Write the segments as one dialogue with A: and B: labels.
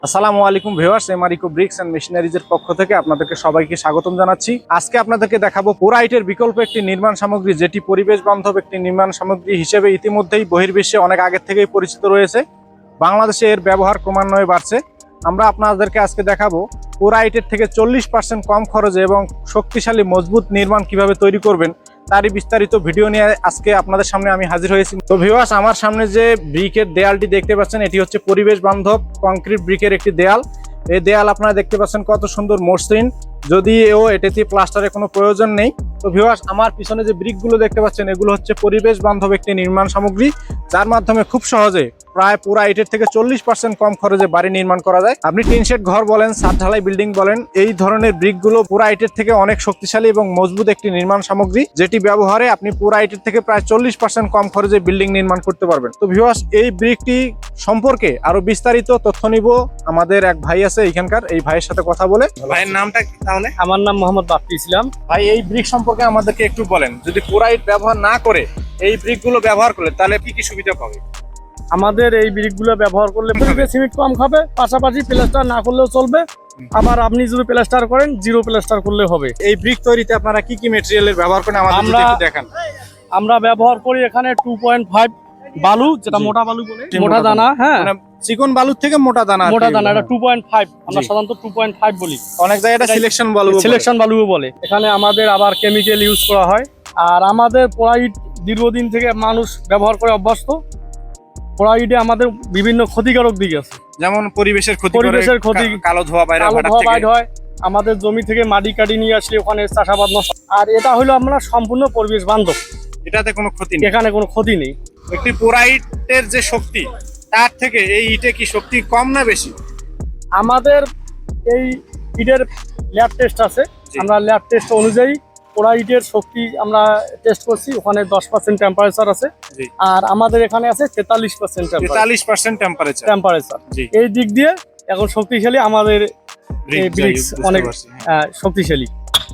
A: আসসালামু আলাইকুম ভিউয়ার্স, এমআরইকো ব্রিক্স এন্ড মেশিনারিজের পক্ষ থেকে আপনাদেরকে সবাইকে স্বাগতম জানাচ্ছি। আজকে আপনাদেরকে দেখাবো পোরাইটের বিকল্প একটি নির্মাণ সামগ্রী, যেটি পরিবেশ বান্ধব একটি নির্মাণ সামগ্রী হিসেবে ইতিমধ্যেই বহির্বিশ্বে অনেক আগে থেকেই পরিচিত রয়েছে। বাংলাদেশে এর ব্যবহার ক্রমান্বয়ে বাড়ছে। আমরা আপনাদেরকে আজকে দেখাবো পোরাইটের থেকে 40% কম খরচে এবং শক্তিশালী মজবুত নির্মাণ কিভাবে তৈরি করবেন, তারই বিস্তারিত ভিডিও নিয়ে আজকে আপনাদের সামনে আমি হাজির হয়েছি। তো ভিউয়ার্স, আমার সামনে যে ব্রিকের দেয়ালটি দেখতে পাচ্ছেন, এটি হচ্ছে পরিবেশ বান্ধব কংক্রিট ব্রিকের একটি দেয়াল। এই দেয়াল আপনারা দেখতে পাচ্ছেন কত সুন্দর মসৃণ, যদিও এটিতে প্লাস্টারের কোনো প্রয়োজন নেই। তো ভিউয়ার্স, আমার পিছনে যে ব্রিকগুলো দেখতে পাচ্ছেন, এগুলো হচ্ছে পরিবেশ বান্ধব একটি নির্মাণ সামগ্রী, যার মাধ্যমে খুব সহজে প্রায় পুরা ইটের থেকে 40% কম খরচে বাড়ি নির্মাণ করা যায়। আপনি টিন শেড ঘর বলেন, ছাদ ঢালাই বিল্ডিং বলেন, এই ধরনের ব্রিকগুলো পুরা ইটের থেকে অনেক শক্তিশালী এবং মজবুত একটি নির্মাণ সামগ্রী, যেটি ব্যবহারে আপনি পুরা ইটের থেকে প্রায় 40% কম খরচে বিল্ডিং নির্মাণ করতে পারবেন। তো ভিউয়ার্স, এই ব্রিকটি সম্পর্কে আরো বিস্তারিত তথ্য নিব। আমাদের এক ভাই আছে এখানকার, এই ভাইয়ের সাথে কথা বলে। ভাইয়ের নামটা কি তাহলে?
B: আমার নাম মোহাম্মদ বাপ্পি ইসলাম।
A: ভাই, এই ব্রিক সম্পর্কে আমাদেরকে একটু বলেন। যদি পুরা ইট ব্যবহার না করে এই ব্রিকগুলো ব্যবহার করলে তাহলে কি কি সুবিধা পাবে?
B: আমাদের এই ব্রিকগুলো ব্যবহার করলে সিমেন্ট কম খাবে, পাশাপাশি প্লাস্টার না করলেও চলবে। আবার আপনি যদি প্লাস্টার করেন, জিরো প্লাস্টার করলে হবে।
A: এই ব্রিক তৈরিতে আপনারা কি কি ম্যাটেরিয়ালের ব্যবহার করেন আমাদের যদি একটু দেখান।
B: আমরা ব্যবহার করি এখানে 2.5 বালু, যেটা মোটা বালু বলে, মোটা দানা। হ্যাঁ,
A: মানে চিকন বালুর থেকে মোটা দানা।
B: মোটা দানা, এটা 2.5, আমরা সাধারণত 2.5 বলি।
A: অনেক জায়গায় এটা সিলেকশন বালু,
B: সিলেকশন বালুও বলে। এখানে আমাদের আবার কেমিক্যাল ইউজ করা হয়। আর আমাদের পোড়াইট দীর্ঘদিন থেকে মানুষ ব্যবহার করে অভ্যস্ত। পোড়াইটে আমাদের বিভিন্ন ক্ষতিকারক দিক আছে,
A: যেমন পরিবেশের ক্ষতি, কালো ধোঁয়া বাইরে
B: হয়, আমাদের জমি থেকে মাটি কাটি নিয়ে আসলে ওখানে চাষাবাদ নষ্ট। আর এটা হলো আমরা সম্পূর্ণ পরিবেশ বান্ধব,
A: এটাতে কোনো ক্ষতি নেই,
B: এখানে কোনো ক্ষতি নেই।
A: একটি পোরাইটের যে শক্তি, তার থেকে এই ইটে কি শক্তি কম না বেশি?
B: আমাদের এই ইটের ল্যাব টেস্ট আছে, আমরা ল্যাব টেস্ট অনুযায়ী পোড়াইটের শক্তি আমরা টেস্ট করছি, ওখানে 10% টেম্পারেচার আছে। আর আমাদের এখানে আছে 43% টেম্পারেচার। এই দিক দিয়ে এখন শক্তিশালী আমাদের ব্রিক্স, অনেক শক্তিশালী,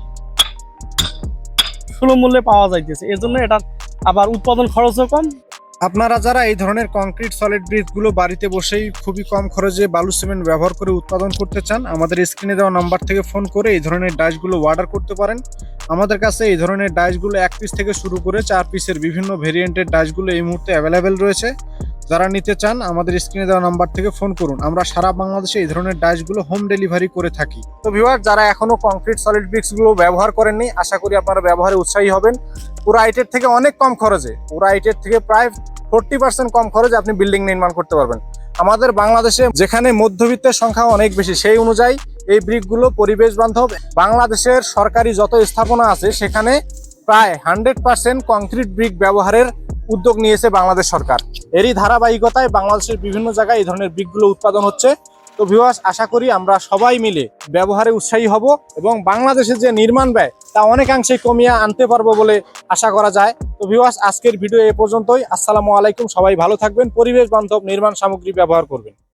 B: সুলভ মূল্যে পাওয়া যাইতেছে। এর জন্য এটা আবার উৎপাদন খরচও কম।
A: আপনারা যারা এই ধরনের কংক্রিট সলিড ব্রিকগুলো বাড়িতে বসেই খুবই কম খরচে বালু সিমেন্ট ব্যবহার করে উৎপাদন করতে চান, আমাদের স্ক্রিনে দেওয়া নাম্বার থেকে ফোন করে এই ধরনের ডাইসগুলো অর্ডার করতে পারেন। আমাদের কাছে এই ধরনের ডাইসগুলো 1 পিস থেকে শুরু করে 4 পিসের বিভিন্ন ভেরিয়েন্টের ডাইসগুলো এই মুহূর্তে অ্যাভেলেবেল রয়েছে। যারা নিতে চান আমাদের স্ক্রিনে দেওয়া নাম্বার থেকে ফোন করুন। আমরা সারা বাংলাদেশে এই ধরনের ডাইসগুলো হোম ডেলিভারি করে থাকি। তো ভিউয়ার, যারা এখনো কংক্রিট সলিড ব্রিক্সগুলো ব্যবহার করেননি, আশা করি আপনারা ব্যবহারে উৎসাহী হবেন। পুরা ইটের থেকে অনেক কম খরচে, পুরা ইটের থেকে প্রায় 40% কম খরচে আপনি বিল্ডিং নির্মাণ করতে পারবেন। আমাদের বাংলাদেশে যেখানে মধ্যবিত্তের সংখ্যা অনেক বেশি, সেই অনুযায়ী এই ব্রিকগুলো পরিবেশ বান্ধব। বাংলাদেশের সরকারি যত স্থাপনা আছে সেখানে প্রায় 100% কংক্রিট ব্রিক ব্যবহারের উদ্যোগ নিয়েছে বাংলাদেশ সরকার। এরই ধারাবাহিকতায় বাংলাদেশের বিভিন্ন জায়গায় এই ধরনের ব্রিকগুলো উৎপাদন হচ্ছে। তো ভিউয়ার্স, আশা করি আমরা সবাই মিলে ব্যবহারে উৎসাহী হব এবং বাংলাদেশের যে নির্মাণ ব্যয় তা অনেকাংশে কমিয়ে আনতে পারবো বলে আশা করা যায়। তো ভিউয়ার্স, আজকের ভিডিও এ পর্যন্তই। আসসালামু আলাইকুম, সবাই ভালো থাকবেন, পরিবেশ বান্ধব নির্মাণ সামগ্রী ব্যবহার করবেন।